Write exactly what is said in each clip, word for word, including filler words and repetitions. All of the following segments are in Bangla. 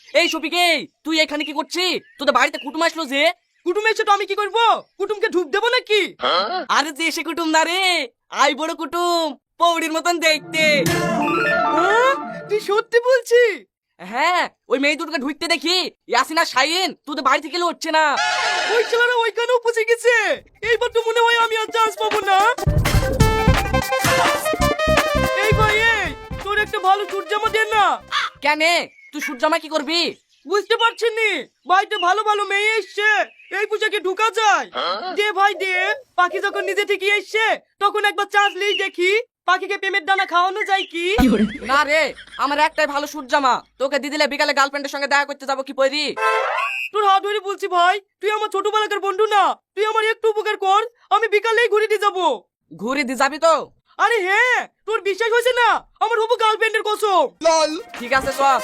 এই শফিকে, তুই এখানে কি করছিস? তোদের বাড়িতে কুটুম আসলো যে। কুটুম এসে তো আমি কি করব? কুটুমকে ঢুক দেবো নাকি? আরে যে সে কুটুম না রে, আই বড় কুটুম, পৌড়ির মতন দেখতে। হ্যাঁ? তুই সত্যি বলছিস? হ্যাঁ, ওই মেয়ে দুটোকে ঢুকতে দেখি ইয়াসিন আর শাহিন তোদের বাড়ি থেকে হচ্ছে না। ওই ছেলেরা ওইখানেও পৌঁছে গেছে। এইবার তো মনে হয় আমি আর চান্স পাবো না। এই ভাই, এই তোর একটা ভালো চুট জামা দে না। কেন, তুই সূর্যামা কি করবি? বুঝতে পারছেন নি, বাড়িতে ভালো ভালো মেয়ে এসছে, এই পোশাকে ঢুকা যায়? দে ভাই দে। পাখি যখন নিজে থেকে এসছে তখন একবার চান্স লিই দেখি পাখিকে প্রেমের দানা খাওয়ানো যায় কি। না রে, আমার একটাই ভালো সূর্যামা, তোকে দিয়ে দিলে বিকালে গার্লফ্রেন্ডের সঙ্গে দেখা করতে যাবো কি পরি। তোর হাত ধরে বলছি ভাই, তুই আমার ছোটবেলাকার বন্ধু না, তুই আমার একটু উপকার কর, আমি বিকালেই ঘুরে দিয়ে যাবো। ঘুরে দিয়ে যাবি তো? আরে হ্যাঁ, তোর বিশ্বাস হয়েছে না? আমার হবু গার্লফ্রেন্ডের কসম। ঠিক আছে চল।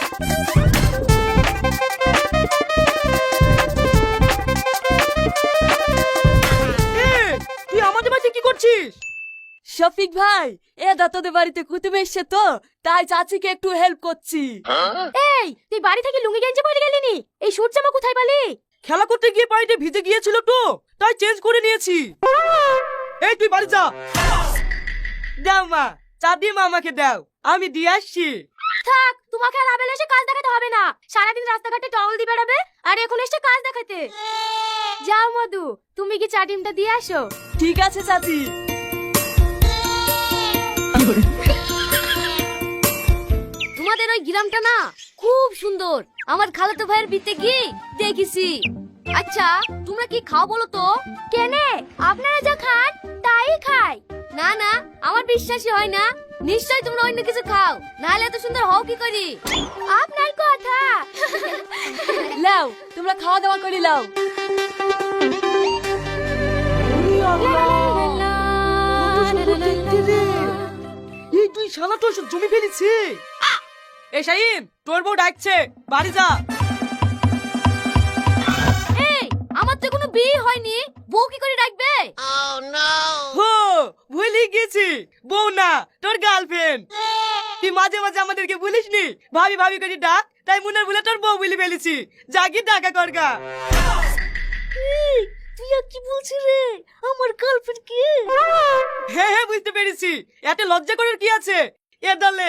এই, তুই আমাদের বাড়িতে কি করছিস? শফিক ভাই, এ তোদের বাড়িতে কুতুম এসছে তো, তাই চাচিকে একটু হেল্প করছি। এই, তুই বাড়ি থেকে লুঙ্গি গেঞ্জি পরে গেলি নি? এই শুট জামা কোথায় পেলি? খেলা করতে গিয়ে পানিতে ভিজে গিয়েছিল তো, তাই চেঞ্জ করে নিয়েছি। এই তুই বাড়ি যা। দাও মা, চা দিয়ে মা আমাকে দাও, আমি দিয়ে আসছি। থাক, তোমাকে আর আবেল এসে কাজ দেখাতে হবে না। সারাদিন রাস্তাঘাটে টহল দিয়ে বেড়াবে, আর এখন এসে কাজ দেখাতে। যাও মধু, তুমি কি চা ডিমটা দিয়ে আসো। ঠিক আছে চাচি। তোমাদের ওই গ্রামটা না খুব সুন্দর, আমার খালাতো ভাইয়ের বিতে গিয়ে দেখেছি। আচ্ছা, তোমরা কি খাও বলো তো? কেনে, আপনারা যা খান তাই খাই। না না, আমার বিশ্বাসই হয় না। নিশ্চয় তোমরা অন্য কিছু খাও, নাহলে এত সুন্দর হও কি করি? আপনার কথা। লাও, তোমরা খাওয়া দাওয়া করে লাও। এই তুই শালা তো সব জমি ফেলেছি। এই শাহিন, তোর বউ ডাকছে, বাড়ি যা। এই, আমার তো কোনো বিয়ে হয়নি, বউ কি করে ডাকবে? হো, ভুলে গেছি, বউ না তোর গার্লফ্রেন্ড। তুই মাঝে মাঝে আমাদেরকে বলিস নি ভাবি ভাবি করে ডাক, তাই মুনার বলে তোর বউ বলে ফেলেছি। জাগি ডাকা করগা। তুই আর কি বলছিস রে? আমার গার্লফ্রেন্ড কি? হ্যাঁ হ্যাঁ, বুঝতে পেরেছি। এত লজ্জা করার কি আছে? এ দলে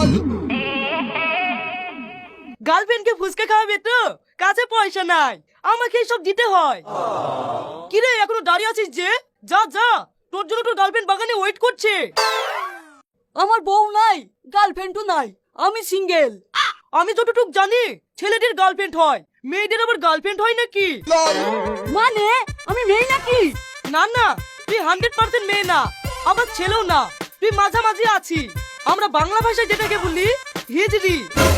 গার্লফ্রেন্ডকে ফুসকা খাওয়াবে তো, কাছে পয়সা নাই, আমাকে সব দিতে হয়। কি রে, এখনো দাঁড়িয়ে আছিস যে? যা যা, তোর জন্য তোর গার্লফ্রেন্ড বাগানে ওয়েট করছে। আমার বউ নাই, গার্লফ্রেন্ডও নাই, আমি সিঙ্গেল। আমি যতটুক জানি ছেলেদের গার্লফ্রেন্ড হয়, মেয়েদের আবার গার্লফ্রেন্ড হয় নাকি? মানে আমি মেয়ে নাকি? না না, তুই হান্ড্রেড পার্সেন্ট মেয়ে না, আবার ছেলেও না, তুই মাঝামাঝি আছি। আমরা বাংলা ভাষায় যেটাকে বলি হিজড়ি।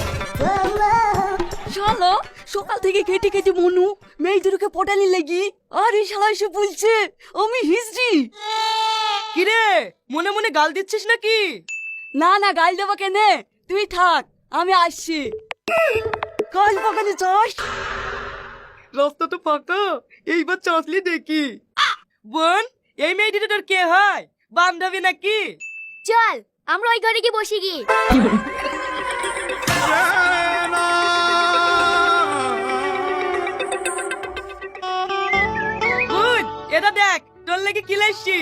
শালা, সকাল থেকে কেটে কেটে মনু মেয়েদেরকে পটানি লেগি, আর এই শালা এসে বলছে আমি হিজড়ি। কিরে, মনে মনে গাল দিচ্ছিস নাকি? না না, গাল দেবো কেনে, তুই থাক, আমি আসছি। কাল বাগানে যাস? রাস্তা তো ফাঁকা, এইবার চাঁচলি দেখি। বোন, এই মেয়েটিটা তোর কে হয়? বান্ধবী নাকি? চল, আমরা ওই ঘরে গিয়ে বসি গি। বোন, এটা দেখ, তোর লেগে কি লাইছি।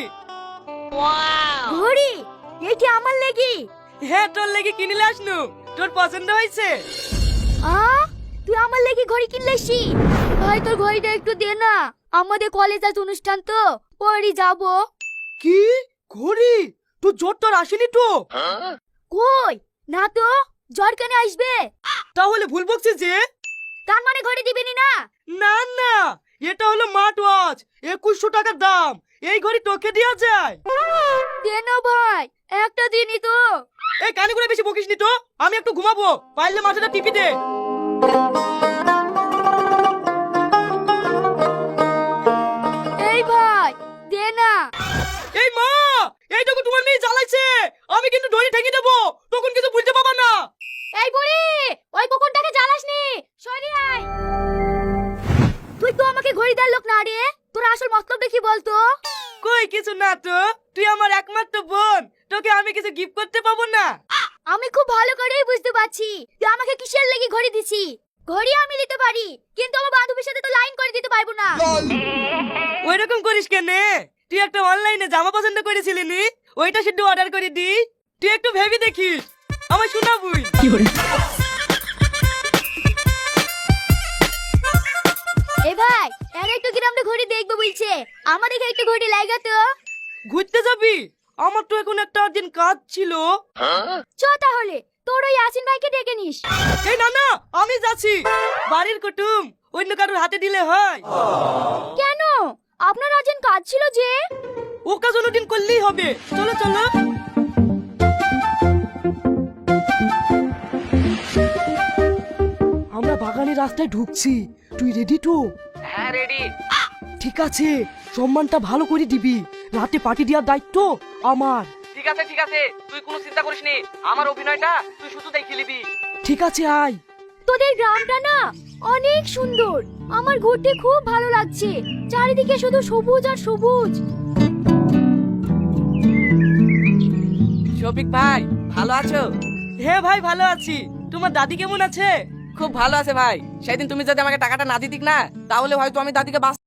ঘড়ি, এইটি আমার লেগি। হ্যাঁ, তোর লেগে কিনে আসনু, তোর পছন্দ হয়েছে? আ, তুই আমার লেগি ঘড়ি কিনলেছি? ভাই তোর ঘড়িটা একটু দে না, আমাদের কলেজ আজ অনুষ্ঠান তো, পরে যাবো। কি ঘড়ি? তোর জ্বর তোর আসেনি তো? কই না তো, জ্বর কেন আসবে? তাহলে ভুল বকছিস যে। তার মানে ঘড়ি দিবেনি না? না না, এটা হলো স্মার্ট ওয়াচ, একুশশো টাকার দাম। এই ঘড়ি তোকে দেওয়া যায়? দে না ভাই, একটা দিনই তো। এই কানে করে বেশি বকিস নি তো, আমি একটু ঘুমাবো, পারলে মাথাটা টিপি দে। এই ভাই, দে না। এই মা, এইটুকু তোমার মেয়ে জ্বালাইছে, আমি কিন্তু ধরে ঠেঙে দেবো, তখন কিছু বুঝতে পাবা না। এই বুড়ি, ওই কুকুরটাকে জ্বালাসনি, সরি আয়। তুই তো আমাকে ঘড়ি দেওয়ার লোক না রে, তোর আসল মতলবটা কি বলতো? কই কিছু না তো, তুই আমার একমাত্র বোন, তোকে আমি কিছু গিফট করতে পাবো না? আমি খুব ভালো করেই বুঝতে পারছি তুই আমাকে কিসের লেগে ঘড়ি দিছি। ঘড়ি আমি দিতে পারি, কিন্তু আমার বান্ধবীর সাথে তো লাইন করে দিতে পারবো না। ওই রকম করিস কেন? তুই একটা অনলাইনে জামা পছন্দ করেছিলি নি, ওইটা শুধু অর্ডার করে দি। তুই একটু ভেবে দেখিস, আমার শোনাবুই। এ ভাই, এর একটু গ্রামটা ঘড়ি দেখবো বলছে, আমার এখানে একটু ঘড়ি লাগা তো। ঘুরতে যাবি? আমার তো এখন একটা আর্জেন্ট কাজ ছিল। চ তাহলে, তোর ওই ইয়াসিন ভাইকে ডেকে নিস। এই না না, আমি যাচ্ছি। বাড়ির কুটুম অন্য কারোর হাতে দিলে হয়? কেন? আপনার আর্জেন্ট কাজ ছিল যে। ও কাজ অন্যদিন করলেই হবে। চলো চলো। আমরা বাগানের রাস্তায় ঢুকছি, তুই রেডি তো? হ্যাঁ রেডি। ঠিক আছে, সম্মানটা ভালো করে দিবি। রাতে পার্টি দেওয়ার দায়িত্ব আমার। ঠিক আছে ঠিক আছে, তুই কোনো চিন্তা করিস নি, আমার অভিনয়টা তুই শুধু দেখে নিবি। ঠিক আছে, আয়। তোদের গ্রামটা না অনেক সুন্দর, আমার ঘুরতে খুব ভালো লাগছে। চারিদিকে শুধু সবুজ আর সবুজ। শফিক ভাই, ভালো আছো? হ্যাঁ ভাই, ভালো আছি। তোমার দাদি কেমন আছে? খুব ভালো আছে ভাই। সেদিন তুমি যদি আমাকে টাকাটা না দিতিক না, তাহলে হয়তো আমি দাদিকে বাঁচ